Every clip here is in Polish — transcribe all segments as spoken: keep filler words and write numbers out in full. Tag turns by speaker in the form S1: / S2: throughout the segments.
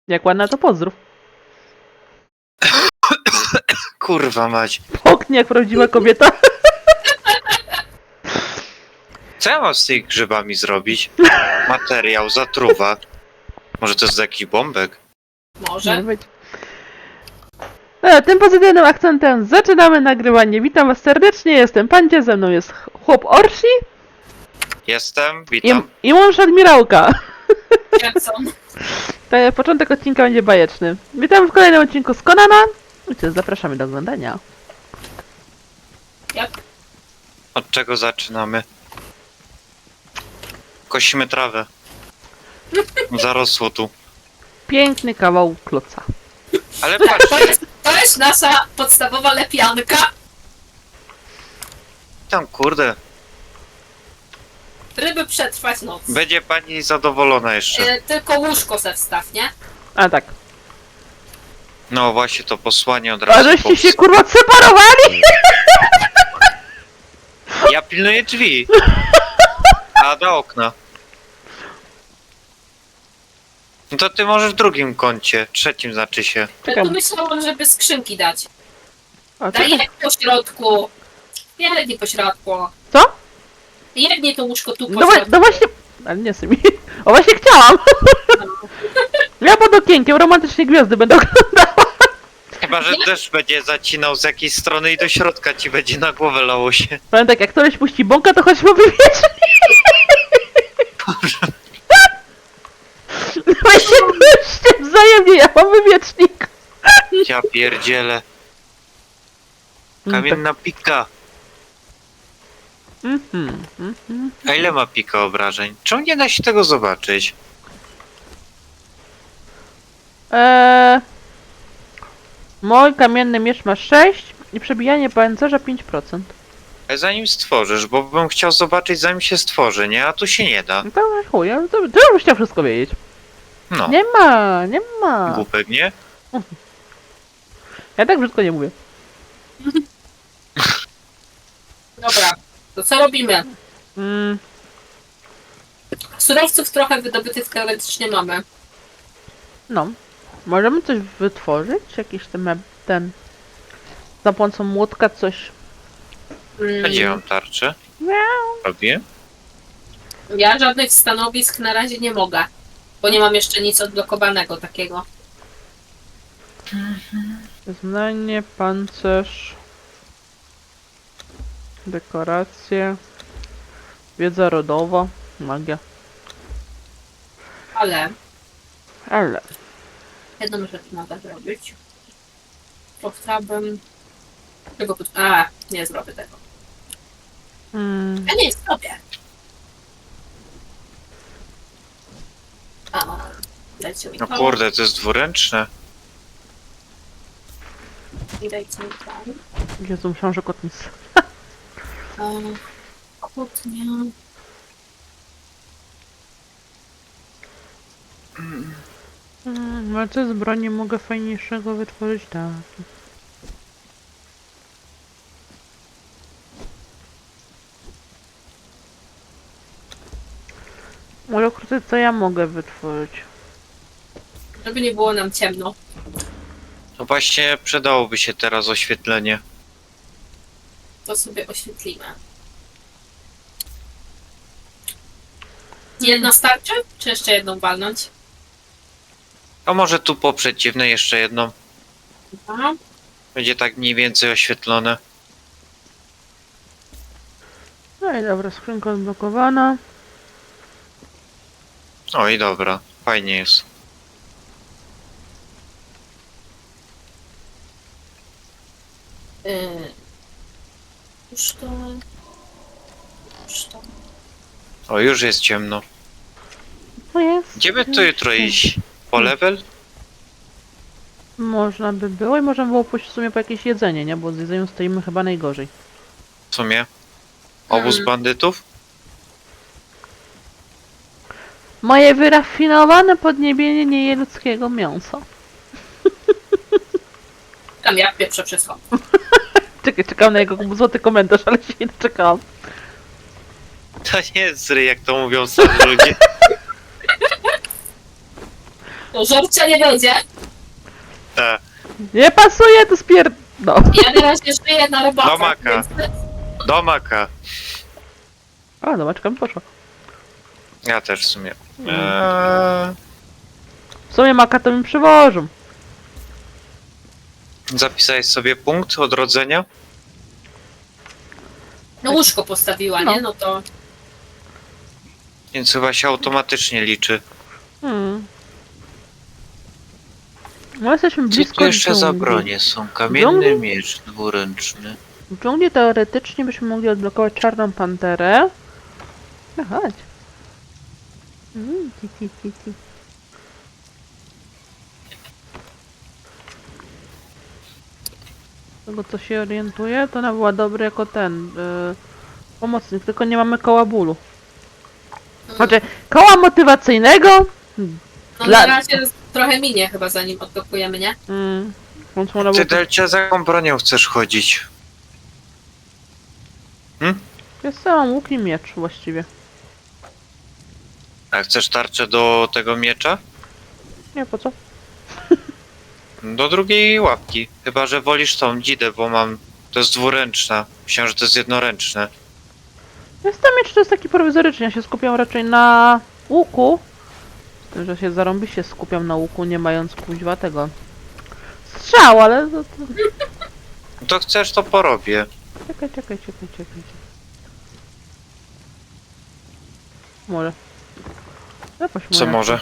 S1: Jak ładna, to pozdrów.
S2: Kurwa mać.
S1: Poknie jak prawdziwa kobieta.
S2: Co ja mam z tymi grzybami zrobić? Materiał, zatruwa. Może to jest jakiś bombek?
S3: Może.
S1: być. No, tym pozytywnym akcentem zaczynamy nagrywanie. Witam was serdecznie, jestem Pancie, ze mną jest chłop Orsi
S2: Jestem,
S1: i,
S2: witam.
S1: i mąż admirałka.
S3: Jackson.
S1: Te- Początek odcinka będzie bajeczny. Witam w kolejnym odcinku z Conana. I co, zapraszamy do oglądania.
S3: Jak?
S2: Od czego zaczynamy? Kosimy trawę. Zarosło tu.
S1: Piękny kawał kloca.
S2: Ale
S3: To
S2: patrzcie,
S3: jest, to jest nasza podstawowa lepianka.
S2: tam kurde.
S3: Ryby przetrwać noc.
S2: Będzie pani zadowolona jeszcze.
S3: E, tylko łóżko se wstaw, nie?
S1: A tak.
S2: No właśnie to posłanie od
S1: A
S2: razu.
S1: żeście
S2: pops-
S1: się kurwa separowali?
S2: Ja pilnuję drzwi. A do okna. No to ty możesz w drugim kącie, trzecim znaczy się.
S3: Ja
S1: Czekam.
S3: tu myślałam, żeby skrzynki dać.
S1: A,
S3: Daj
S1: czekaj.
S3: jak po środku. Jedni po środku.
S1: Co?
S3: Jedni to łóżko tu po
S1: No, wa-
S3: środku.
S1: no właśnie... Ale nie symi. O właśnie chciałam. Ja pod okienkiem romantycznie gwiazdy będę oglądała.
S2: Chyba, że deszcz będzie zacinał z jakiejś strony i do środka ci będzie na głowę lało się.
S1: Powiem tak, jak ktoś puści bąka, to chodźmy wywiecznik. Weźcie puśćcie wzajemnie, ja mam wywiecznik.
S2: Ja pierdzielę. Kamienna pika.
S1: Mhm, mhm.
S2: A ile ma pika obrażeń? Czemu nie da się tego zobaczyć?
S1: Eee, mój kamienny miecz ma sześć i przebijanie pancerza pięć procent.
S2: Ale zanim stworzysz, bo bym chciał zobaczyć zanim się stworzy, nie? A tu się nie da.
S1: No to chuj, ja to, to już chciał wszystko wiedzieć.
S2: No,
S1: Nie ma, nie ma.
S2: głupek, nie?
S1: Ja tak brzydko nie mówię.
S3: Dobra, to co robimy?
S1: Mm,
S3: Surowców trochę wydobytych teoretycznie mamy.
S1: no, możemy coś wytworzyć? Jakiś ten, meb- ten za pomocą młotka coś.
S3: Mm,
S2: A gdzie mam tarczę?
S1: Miau.
S2: Robię?
S3: Ja żadnych stanowisk na razie nie mogę. Bo nie mam jeszcze nic odblokowanego takiego.
S1: Znanie, pancerz, dekoracje, wiedza rodowa, magia.
S3: Ale
S1: Ale
S3: jedną rzecz mogę zrobić. To chciałabym... Tego pod... A, nie zrobię tego.
S1: mm,
S3: Ja nie zrobię. A, dajcie mi
S2: No
S3: to.
S2: kurde, to jest dwuręczne.
S3: I dajcie mi to.
S1: Jezu, myślałam, że kot nic.
S3: A, kłótnia.
S1: Mm, ale co z broni mogę fajniejszego wytworzyć? Tak. Może krócej co ja mogę wytworzyć?
S3: Żeby nie było nam ciemno.
S2: No właśnie przydałoby się teraz oświetlenie.
S3: To sobie oświetlimy. Jedna starczy? Czy jeszcze jedną walnąć?
S2: A może tu po przeciwnej jeszcze jedną.
S3: Aha.
S2: Będzie tak mniej więcej oświetlone.
S1: No i dobra, skrzynka odblokowana.
S2: O i dobra, fajnie jest.
S3: Yy. Już to... Już to...
S2: O, już jest ciemno.
S1: To jest.
S2: Gdzie by tu jutro iść? Po level?
S1: Można by było i można było pójść w sumie po jakieś jedzenie, nie? Bo z jedzeniem stoimy chyba najgorzej.
S2: W sumie? Obóz
S3: Hmm.
S2: bandytów?
S1: Moje wyrafinowane podniebienie nie je ludzkiego mięsa.
S3: Tam ja pierwsze wszystko.
S1: Czekaj, czekam na jego złoty komentarz, ale się nie doczekałam.
S2: To nie jest zry, jak to mówią starzy ludzie.
S3: To żarcia nie będzie.
S2: E,
S1: Nie pasuje, to spier... No.
S3: Ja na razie żyję na robakach,
S2: Do maka.
S3: więc...
S2: do maka.
S1: A, zobaczka mi poszła.
S2: Ja też w sumie. Eee,
S1: W sumie maka to mi przywożą.
S2: zapisałeś sobie punkt odrodzenia?
S3: No łóżko postawiła,
S1: No.
S3: nie? No to...
S2: Więc chyba się automatycznie liczy.
S1: Hmm. No jesteśmy
S2: Co
S1: blisko
S2: tu jeszcze za
S1: dżungli.
S2: bronie są?
S1: Dżungli?
S2: Kamienny miecz dwuręczny.
S1: W dżungli teoretycznie byśmy mogli odblokować czarną panterę. No chodź. Mm, ti, ti, ti, ti. Z tego co się orientuje, to ona była dobry jako ten yy, pomocnik, tylko nie mamy koła bólu. Znaczy, koła motywacyjnego?
S3: No
S1: Dla-
S3: na razie trochę minie chyba zanim odblokujemy, nie?
S1: Mm, więc można
S2: Ty,
S1: było...
S2: Delcia, za jaką bronią chcesz chodzić?
S1: Jest sam łuk i miecz właściwie.
S2: A chcesz tarczę do tego miecza?
S1: Nie, po co?
S2: Do drugiej łapki. Chyba że wolisz tą dzidę, bo mam... To jest dwuręczna. Myślałem, że to jest jednoręczne.
S1: Jest tam miecz, to jest taki prowizoryczny, ja się skupiam raczej na łuku. Z tym, że się zarąbiście skupiam na łuku, nie mając kuźwa tego strzał, ale to, to...
S2: No to chcesz, to porobię.
S1: Czekaj, czekaj, czekaj, czekaj, czekaj. Może. Zaproś
S2: Co może?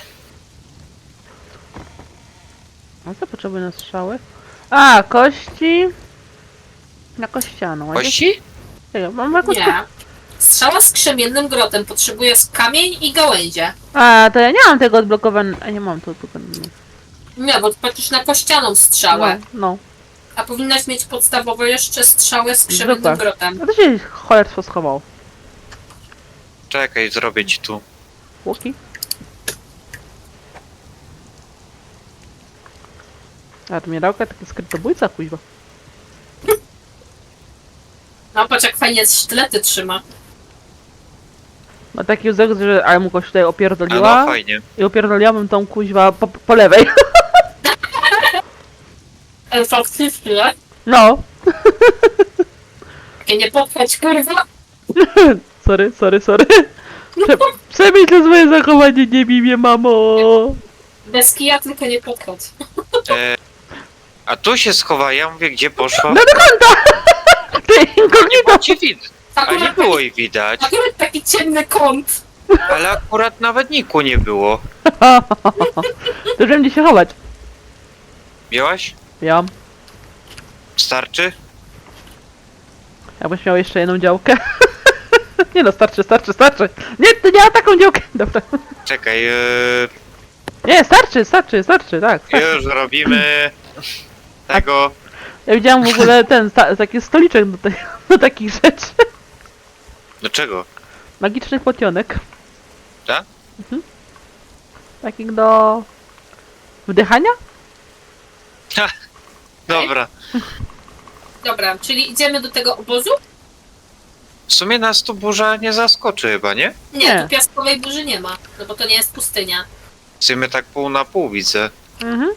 S1: A co potrzebuję na strzały? A, kości. Na kościaną. a
S2: Kości?
S1: gdzie- Czekaj, mam jakąś...
S3: Nie. Strzała z krzemiennym grotem potrzebuje kamień i gałęzie.
S1: A, to ja nie mam tego odblokowane. A nie mam to odblokowane.
S3: Nie, bo patrzysz na kościaną strzałę.
S1: No, no.
S3: A powinnaś mieć podstawowo jeszcze strzałę z krzemiennym
S1: Zwykłe.
S3: grotem.
S1: A to się cholerstwo schowało.
S2: Czekaj, zrobię ci tu.
S1: Łuki? Admirałka, taki skrytobójca, kuźwa.
S3: No patrz jak fajnie sztylety trzyma.
S1: Ma taki łzek, że ale mu kogoś tutaj
S2: A
S1: opierdoliła
S2: no fajnie.
S1: i opierdoliłabym tą kuźwa po, po lewej.
S3: Ale faktycznie.
S1: No.
S3: Takie nie popchać kurwa.
S1: Sorry, sorry, sorry. Prze przemyśl swoje zachowanie, nie bij mnie, mamo.
S3: Bez kija tylko nie popchać.
S2: E, a tu się schowa, ja mówię, gdzie poszła?
S1: No do kąta! Ty
S2: Nie
S1: inkognito!
S2: było ci widać. A nie
S3: Akurat
S2: było
S3: taki,
S2: jej widać.
S3: akurat taki ciemny kąt.
S2: Ale akurat nawet niku nie było.
S1: To wiem gdzie się chować.
S2: Miałaś?
S1: Ja.
S2: Starczy?
S1: Jakbyś miał jeszcze jedną działkę. Nie no, starczy, starczy, starczy. Nie, to nie ma taką działkę. Dobra.
S2: Czekaj, e,
S1: Nie, starczy, starczy, starczy, tak. starczy.
S2: już robimy tego.
S1: Ja widziałam w ogóle ten, sta taki stoliczek do, te do takich rzeczy.
S2: Do czego?
S1: Magicznych potionek.
S2: Tak?
S1: Mhm. Takich do... wdychania?
S2: Ha, dobra.
S3: Dobra, czyli idziemy do tego obozu?
S2: W sumie nas tu burza nie zaskoczy chyba, nie?
S3: Nie,
S1: Nie.
S3: tu piaskowej burzy nie ma, no bo to nie jest pustynia.
S2: W sumie tak pół na pół widzę.
S1: Mhm.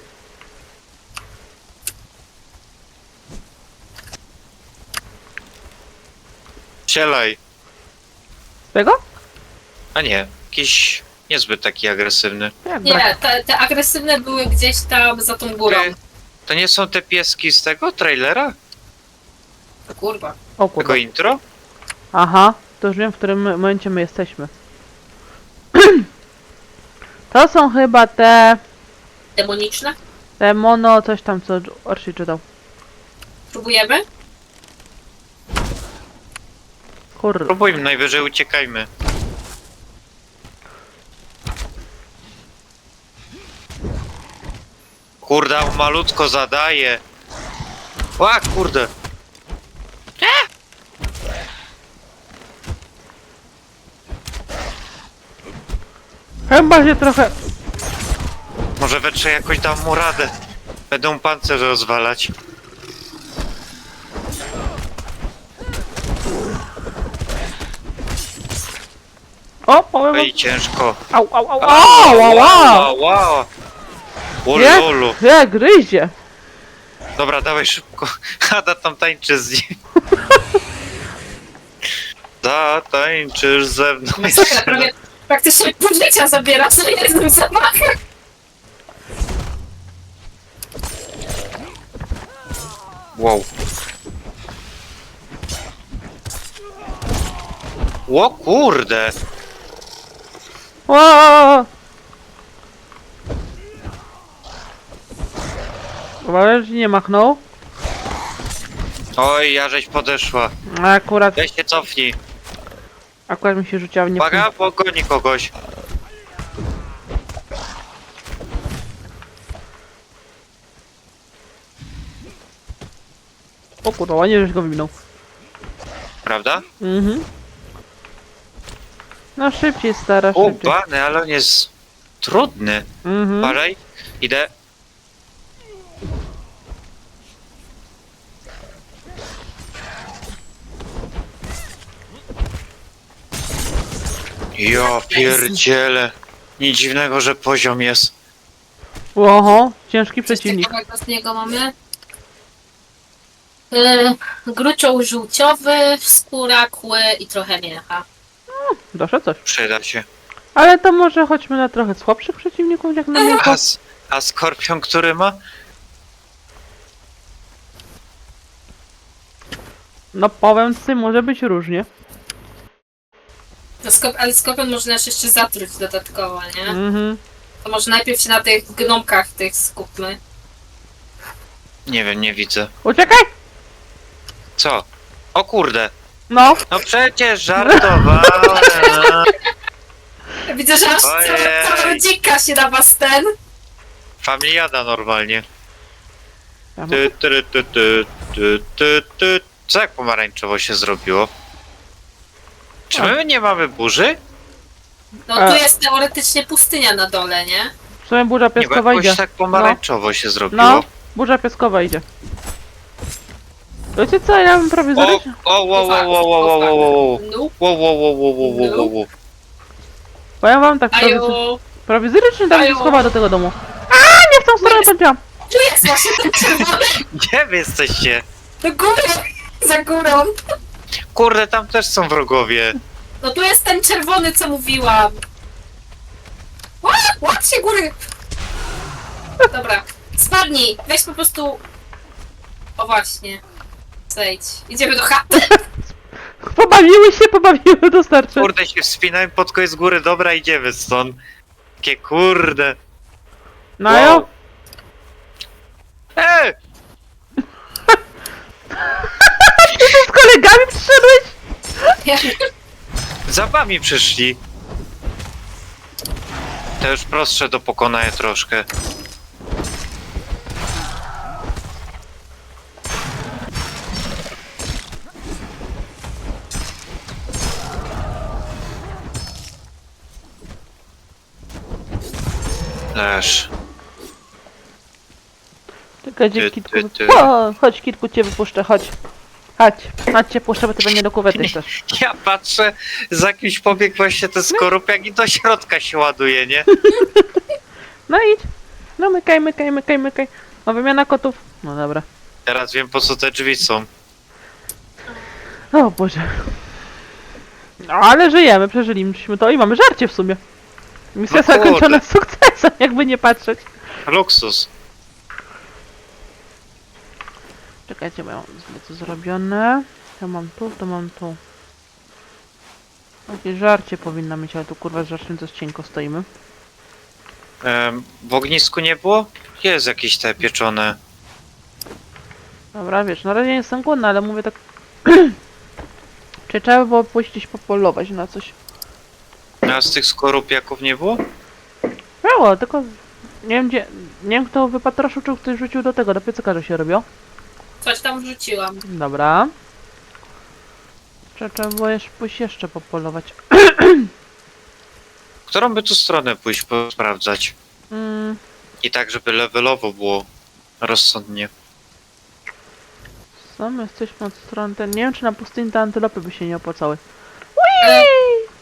S2: Sielaj.
S1: Tego?
S2: A nie, jakiś niezbyt taki agresywny.
S1: Jak brak?
S3: Nie, te, te agresywne były gdzieś tam za tą górą.
S2: Ty, to nie są te pieski z tego trailera?
S3: O kurwa.
S1: O
S2: Tego
S1: kurde.
S2: intro?
S1: Aha, to już wiem w którym momencie my jesteśmy. To są chyba te...
S3: Demoniczne?
S1: te mono coś tam co Orsi czytał.
S3: Próbujemy?
S1: Kur...
S2: Próbujmy, najwyżej uciekajmy. Kurde, on malutko zadaje. Ła, kurde.
S1: Chyba się trochę...
S2: Może we trzech jakoś dam mu radę. Będą pancerze rozwalać.
S1: O, powiem wam...
S2: Oj, ciężko.
S1: Au, au, au, au, au, au.
S2: wow. O
S1: Jak?
S2: lolu.
S1: Jak gryzie!
S2: Dobra, dawaj szybko. Ada tam tańczy z nim. Zatańczysz ze mną.
S3: Masakra, prawie praktycznie pół życia zabiera co jednym zamachem.
S2: Wow. O kurde.
S1: O! Uważaj, że nie machnął.
S2: Oj, ja żeś podeszła.
S1: Akurat,
S2: Weź się cofnij.
S1: akurat mi się rzuciła w nie.
S2: Uwaga, pogoni kogoś.
S1: O kurwa, ładnie, żeś go wyminął.
S2: Prawda?
S1: Mhm. No szybciej, stara,
S2: O,
S1: szybciej.
S2: bany, ale on jest trudny.
S1: Mhm.
S2: Uważaj, idę. Ja pierdzielę. Nic dziwnego, że poziom jest.
S1: Oho, ciężki
S3: Coś
S1: przeciwnik.
S3: ciekawego z niego mamy. Yy, grucioł żółciowy, skóra, kły i trochę miecha.
S1: Doszło coś.
S2: Przyda się.
S1: Ale to może chodźmy na trochę słabszych przeciwników, jak na mięcho.
S2: A, s- a skorpion, który ma?
S1: No powiem ci, może być różnie.
S3: To skop, ale skopion można nas jeszcze zatruć dodatkowo, nie?
S1: Mhm.
S3: To może najpierw się na tych gnomkach tych skupmy.
S2: Nie wiem, nie widzę.
S1: Uciekaj!
S2: Co? O kurde.
S1: No,
S2: No przecież żartowałem.
S3: Widzę, że aż cała,
S2: Ojej.
S3: cała rodzinka się na was ten.
S2: Familiada normalnie.
S1: Ja mam-
S2: Ty, ty, ty, ty, ty, ty, ty. Co jak pomarańczowo się zrobiło? Czy my nie mamy burzy?
S3: No
S1: A.
S3: tu jest teoretycznie pustynia na dole, nie?
S1: w sumie burza
S2: Nie, bo
S1: piaskowa idzie.
S2: jakoś tak pomarańczowo się zrobiło.
S1: No, burza piaskowa idzie. Wiecie co, ja bym prawie
S2: O,
S1: zaryć...
S2: o, wo, wo, wo, wo, wo, wo, wo.
S3: Nope.
S2: Wo, wo, wo, wo, wo, wo, wo, wo.
S1: Powiem wam tak, prawie,
S3: Aju,
S1: prowizorycznie tam się
S3: Aju.
S1: schowa do tego domu. A nie w tą stronę powiedziałam.
S3: tu jest właśnie ten czerwony.
S2: Gdzie wy jesteście?
S3: Do góry, za górą.
S2: Kurde, tam też są wrogowie.
S3: No tu jest ten czerwony, co mówiłam. Ła, łap się góry. Dobra, spadnij, weź po prostu... O właśnie. Zejdź. Idziemy do chaty.
S1: Pobawiły się, pobawiły, to starczy.
S2: Kurde, się wspinałem pod koniec góry, dobra, idziemy stąd. Kie kurde.
S1: No jo.
S2: Ej!
S1: Z kolegami przyszedłeś?
S2: Za wami przyszli. To już prostsze do pokonania troszkę. Leż.
S1: Czekaj, gdzie
S2: Ty,
S1: kitku...
S2: ty, ty.
S1: O, chodź kitku, cię wypuszczę, chodź. Chodź, chodź cię puszczę, bo ty pewnie do kuwety chcesz.
S2: Ja patrzę, za kimś pobiegł właśnie ten skorupiak i do środka się ładuje, nie?
S1: No idź. No mykaj, mykaj, mykaj, mykaj. No wymiana kotów. No dobra.
S2: Teraz wiem, po co te drzwi są.
S1: O Boże. No ale żyjemy, przeżyliśmy to i mamy żarcie w sumie. Misja
S2: No kurde.
S1: zakończona sukcesem, jakby nie patrzeć.
S2: Luksus.
S1: Czekajcie, bo ja mam zbyt zrobione. To mam tu, to mam tu. Jakieś żarcie powinna mieć, ale tu kurwa z żarciem to cienko stoimy.
S2: Em, w ognisku nie było? Jest jakieś te pieczone.
S1: Dobra, wiesz, na razie nie jestem głodna, ale mówię tak... Czy trzeba by było pójść gdzieś popolować na coś?
S2: A z tych skorupiaków nie było?
S1: Było, tylko... Nie wiem gdzie... Nie wiem kto wypatroszył, czy ktoś rzucił do tego, do piecyka, że się robią.
S3: Coś tam wrzuciłam.
S1: Dobra. Trzeba, trzeba było jeszcze pójść jeszcze popolować.
S2: Którą by tu stronę pójść sprawdzać?
S1: Mm,
S2: I tak, żeby levelowo było rozsądnie.
S1: co my jesteśmy od strony ten... Nie wiem czy na pustyni te antylopy by się nie opłacały.
S3: Ale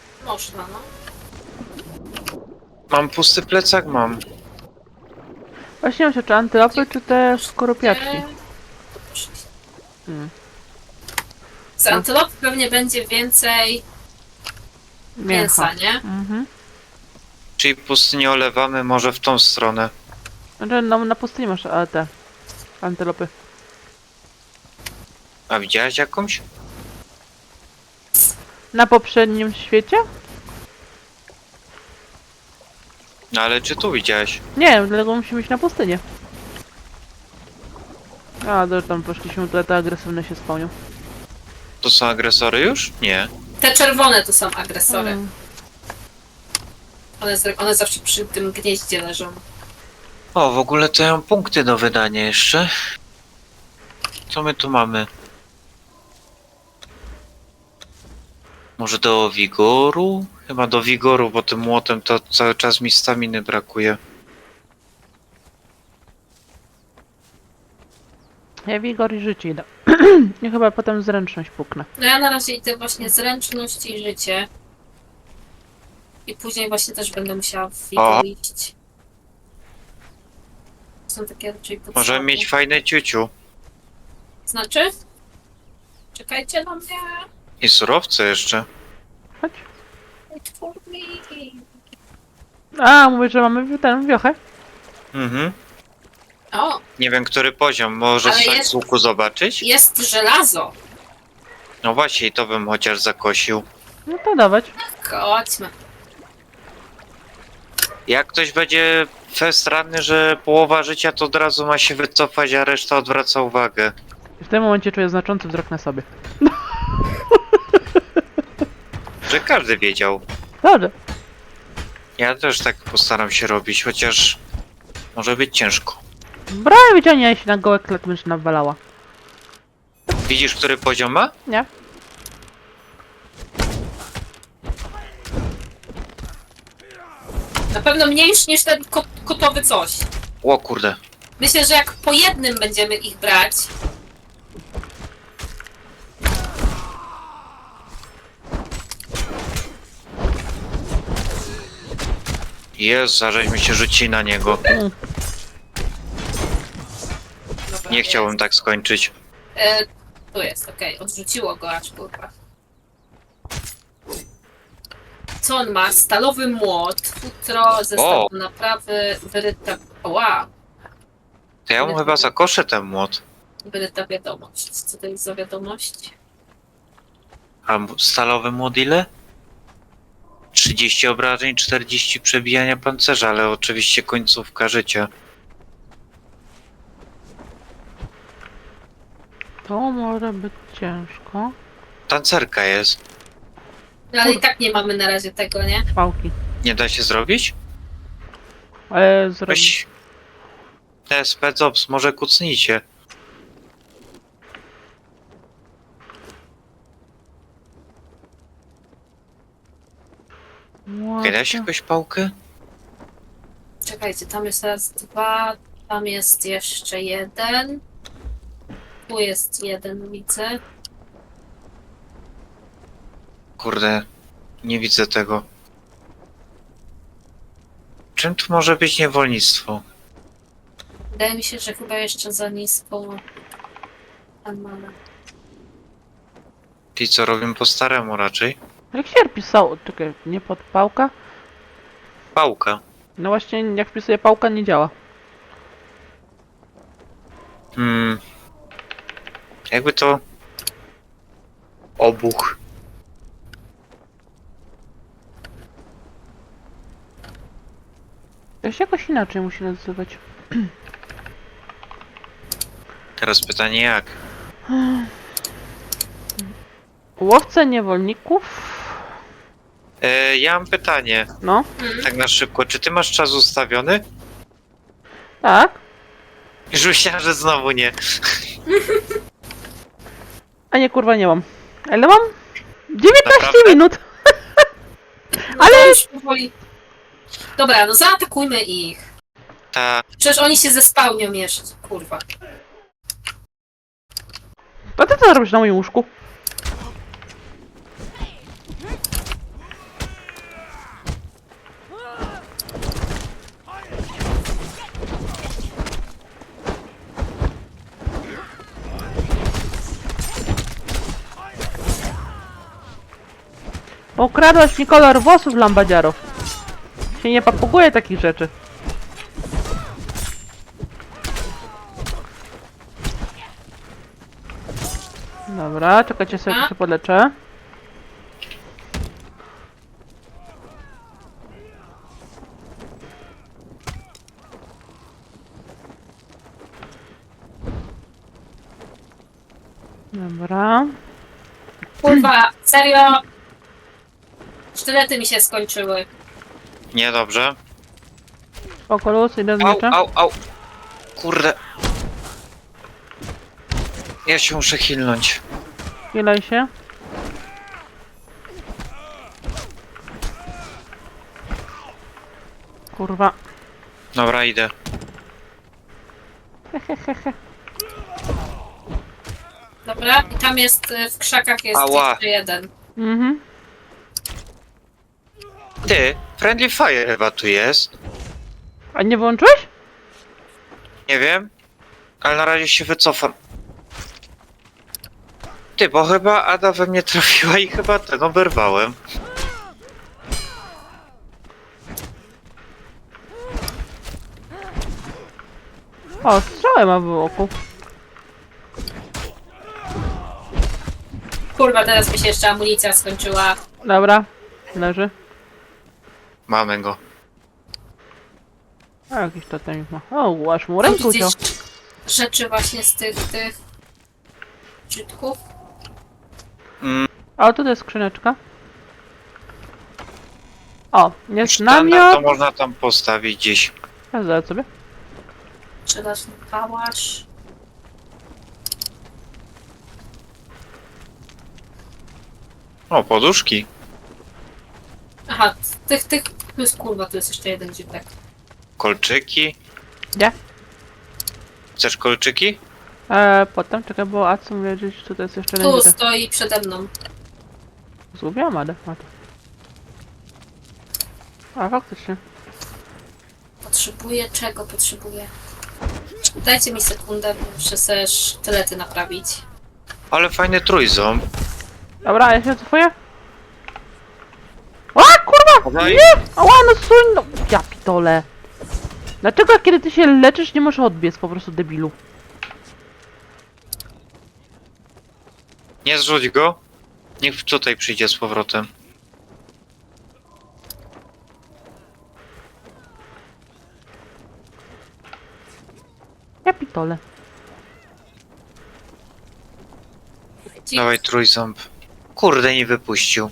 S3: można, no.
S2: Mam pusty plecak? Mam.
S1: Właśnie myślę, czy antylopy, czy te skorupiaczki.
S3: Eee,
S1: Hmm.
S3: Z antylop pewnie będzie więcej mięsa, nie?
S1: Mhm.
S2: Czyli pustynię olewamy może w tą stronę.
S1: Znaczy, no, na pustyni masz a, te antylopy.
S2: A widziałaś jakąś?
S1: Na poprzednim świecie?
S2: No ale czy tu widziałaś?
S1: Nie, dlatego musimy iść na pustynię. A, to tam poszliśmy, to te agresywne się spełnią.
S2: To są agresory już? Nie.
S3: Te czerwone to są agresory.
S1: Mm.
S3: One, z- one zawsze przy tym gnieździe leżą.
S2: O, w ogóle to ja mam punkty do wydania jeszcze. Co my tu mamy? Może do wigoru? Chyba do wigoru, bo tym młotem to cały czas mi staminy brakuje.
S1: Ja wigor i życie idę. I chyba potem zręczność puknę.
S3: No ja na razie idę właśnie zręczność i życie. I później właśnie też będę musiała w
S2: O.
S3: wigor iść. Są takie raczej potrzeby.
S2: Możemy mieć fajne ciuciu.
S3: Znaczy? Czekajcie na mnie.
S2: I surowce jeszcze.
S1: Chodź.
S3: Wait for me.
S1: A, mówię, że mamy tę wiochę.
S2: Mhm.
S3: O,
S2: Nie wiem, który poziom. Może
S3: Ale
S2: z
S3: jest-
S2: z łuku zobaczyć?
S3: jest żelazo.
S2: No właśnie, i to bym chociaż zakosił.
S1: No to dawać.
S3: Chodźmy.
S2: Jak ktoś będzie fest ranny, że połowa życia to od razu ma się wycofać, a reszta odwraca uwagę.
S1: I w tym momencie czuję znaczący wzrok na sobie.
S2: Że każdy wiedział.
S1: Dobrze.
S2: Ja też tak postaram się robić, chociaż może być ciężko.
S1: Brałem wyciągnie się na gołe klet, mysz nawalała.
S2: Widzisz, który poziom ma?
S1: Nie?
S3: Na pewno mniejszy niż ten kot, kotowy coś.
S2: O kurde.
S3: Myślę, że jak po jednym będziemy ich brać,
S2: Jezu, żeśmy się rzucili na niego.
S1: Mm.
S3: Dobra,
S2: Nie
S3: jest.
S2: chciałbym tak skończyć.
S3: E, tu jest, okej, odrzuciło go aż kurwa. Co on ma? Stalowy młot, futro, zestaw
S2: O!
S3: do naprawy, wyryta... Wow,
S2: To ja mu chyba zakoszę ten młot.
S3: wyryta wiadomość. Co to jest za wiadomość?
S2: A m- stalowy młot ile? trzydzieści obrażeń, czterdzieści przebijania pancerza, ale oczywiście końcówka życia.
S1: To może być ciężko.
S2: Tancerka jest.
S3: No ale i tak nie mamy na razie tego, nie?
S1: Pałki.
S2: Nie da się zrobić?
S1: Ale zrobić.
S2: Weź... Te specops, może kucnijcie. Nie da się jakąś pałkę?
S3: Czekajcie, tam jest raz dwa, tam jest jeszcze jeden. Tu jest jeden, widzę.
S2: Kurde, nie widzę tego. Czym tu może być niewolnictwo?
S3: Wydaje mi się, że chyba jeszcze za nisko. Tam mamy.
S2: Ci co robią po staremu raczej?
S1: Jak się pisało? Czekaj, nie pod pałka?
S2: Pałka.
S1: No właśnie, jak wpisuję pałka, nie działa.
S2: Hmm. Jakby to... Obuch.
S1: To się jakoś inaczej musi nazywać.
S2: Teraz pytanie jak?
S1: Łowca niewolników?
S2: E, ja mam pytanie,
S1: No,
S3: Hmm.
S2: tak na szybko. Czy ty masz czas ustawiony?
S1: tak.
S2: Już myślałem, że znowu nie.
S1: A nie, kurwa, nie mam. Ale mam dziewiętnaście
S2: Naprawdę?
S1: minut.
S3: No
S1: Ale-
S3: to już powoli. Dobra, no zaatakujmy ich.
S2: Ta...
S3: Przecież oni się zespałnią jeszcze, kurwa.
S1: A ty co robisz na moim łóżku? Ukradłaś mi kolor włosów, lambadziaro. Się nie papuguje takich rzeczy. Dobra, czekajcie sobie, jak się podleczę. Dobra.
S3: Kurwa, serio? Sztylety mi się skończyły.
S2: Niedobrze.
S1: Spoko, luz, idę z
S2: Au,
S1: mieczem.
S2: au, au. Kurde. Ja się muszę hilnąć.
S1: Chwilaj się. Kurwa.
S2: Dobra, idę.
S3: Dobra, i tam jest, y, w krzakach jest
S2: Ała.
S3: jeszcze jeden.
S1: Mhm.
S2: Ty, Friendly Fire chyba tu jest.
S1: A nie włączyłeś?
S2: Nie wiem. Ale na razie się wycofam. Ty, bo chyba Ada we mnie trafiła i chyba ten oberwałem.
S1: O, strzałem ma w oku.
S3: Kurwa, teraz mi się jeszcze amunicja skończyła.
S1: Dobra, leży.
S2: Mamy go.
S1: A jakiś totemik ma. O, aż mu
S3: Mam
S1: rękę uciął.
S3: gdzieś rzeczy właśnie z tych, tych... czytków.
S2: Mm,
S1: A tutaj jest skrzyneczka. O, jest
S2: sztandar
S1: namiot.
S2: to można tam postawić gdzieś.
S1: Ja zaraz sobie.
S3: Żelazny pałasz.
S2: O, poduszki.
S3: Aha, tych, tych... Tu jest kurwa, tu jest jeszcze jeden dziwek.
S2: Kolczyki.
S1: Gdzie?
S2: Chcesz kolczyki?
S1: Eee, potem, czekaj, bo a co mówię, że tutaj jest jeszcze
S3: Tu
S1: jeden.
S3: stoi przede mną.
S1: Zgubiłam Adę. A, tu. A, faktycznie.
S3: Potrzebuję czego? Potrzebuję. Dajcie mi sekundę, muszę sobie sztylety naprawić.
S2: Ale fajny trójząb.
S1: Dobra, ja się cofuję. O, kurwa!
S2: Dawaj.
S1: Nie! Ała, no suń, no! Ja pitole. Dlaczego jak kiedy ty się leczysz, nie możesz odbiec, po prostu debilu?
S2: Nie zrzuć go. Niech tutaj przyjdzie z powrotem.
S1: Ja pitole.
S3: Ci-
S2: Dawaj trójząb. Kurde, nie wypuścił.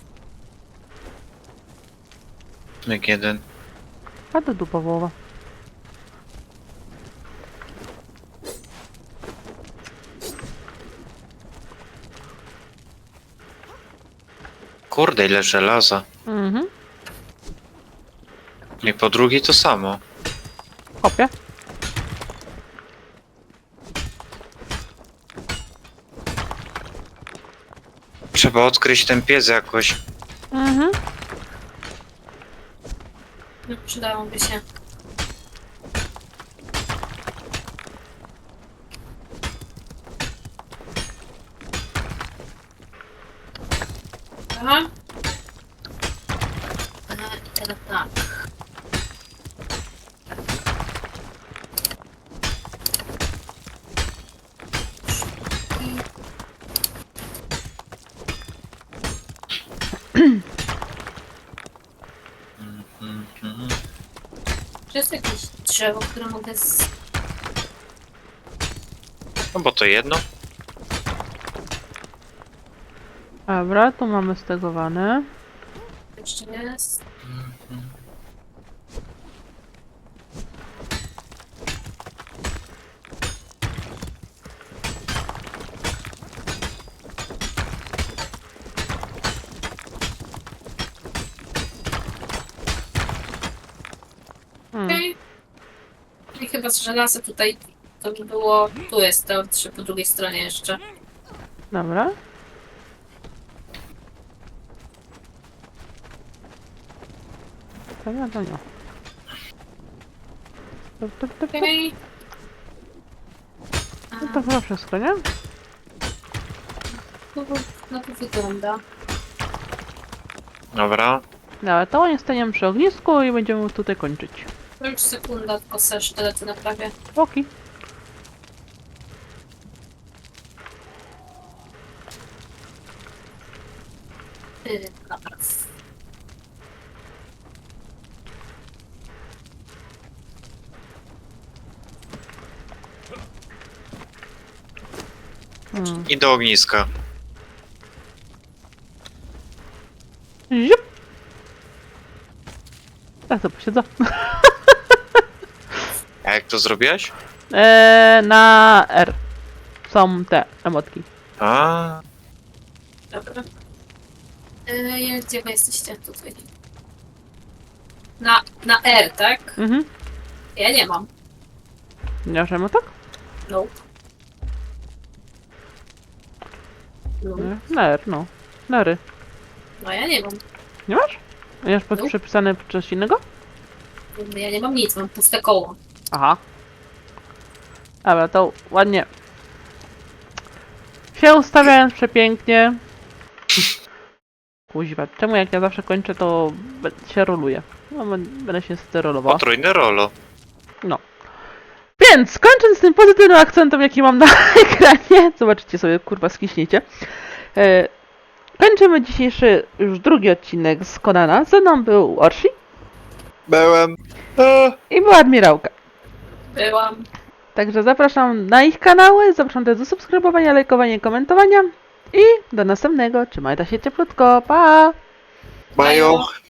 S2: Myk jeden.
S1: A to dupa wołowa.
S2: Kurde, ile żelaza.
S1: Mhm.
S2: I po drugiej to samo.
S1: Kopię.
S2: Trzeba odkryć ten pies jakoś.
S1: Mhm.
S3: No, przydałoby się. Aha. Aha, i teraz tak.
S2: Mhm.
S3: Czy jest jakieś drzewo, które mogę z...
S2: No bo to jedno.
S1: Dobra, tu mamy stegowane.
S3: jeszcze jest?
S1: Hmm.
S3: Okej. I chyba z żelaza tutaj to by było... Tu jest to, czy po drugiej stronie jeszcze.
S1: Dobra. To nie, to nie. To, to, to, to,
S3: Okej.
S1: to, to chyba wszystko, nie?
S3: No to wygląda.
S2: Dobra.
S1: Dobra, to nie staniemy przy ognisku i będziemy tutaj kończyć.
S3: To już sekunda, tylko sobie sztylety naprawię.
S1: Oki.
S3: Yy, napraw.
S1: Hmm.
S2: I do ogniska.
S1: Ziup. Ja to posiedzę.
S2: A jak to zrobiłaś?
S1: Eee, na R są te emotki.
S2: A,
S3: Dobra. Yy, gdzie wy jesteście? Tutaj. Na, na R, tak?
S1: Mhm.
S3: Ja nie mam.
S1: Nie masz emotek?
S3: No. No,
S1: Nie. Na R, no. Na R.
S3: no ja nie mam.
S1: Nie masz? Nie masz pod
S3: No.
S1: przepisane coś innego?
S3: Ja nie mam nic, mam puste koło.
S1: Aha. Dobra, to ładnie. Się ustawiając przepięknie. Kuźwa, czemu jak ja zawsze kończę, to be- się roluje. No, bę- będę się sterolował.
S2: potrójne rolo.
S1: Więc kończąc tym pozytywnym akcentem, jaki mam na ekranie, zobaczycie sobie, kurwa, skiśniecie. E, kończymy dzisiejszy już drugi odcinek z Conana. Ze mną był Orsi
S2: Byłem. A.
S1: i była Admirałka.
S3: Byłam.
S1: Także zapraszam na ich kanały, zapraszam też do subskrybowania, lajkowania, komentowania i do następnego. Trzymajcie się cieplutko, pa!
S2: Mają.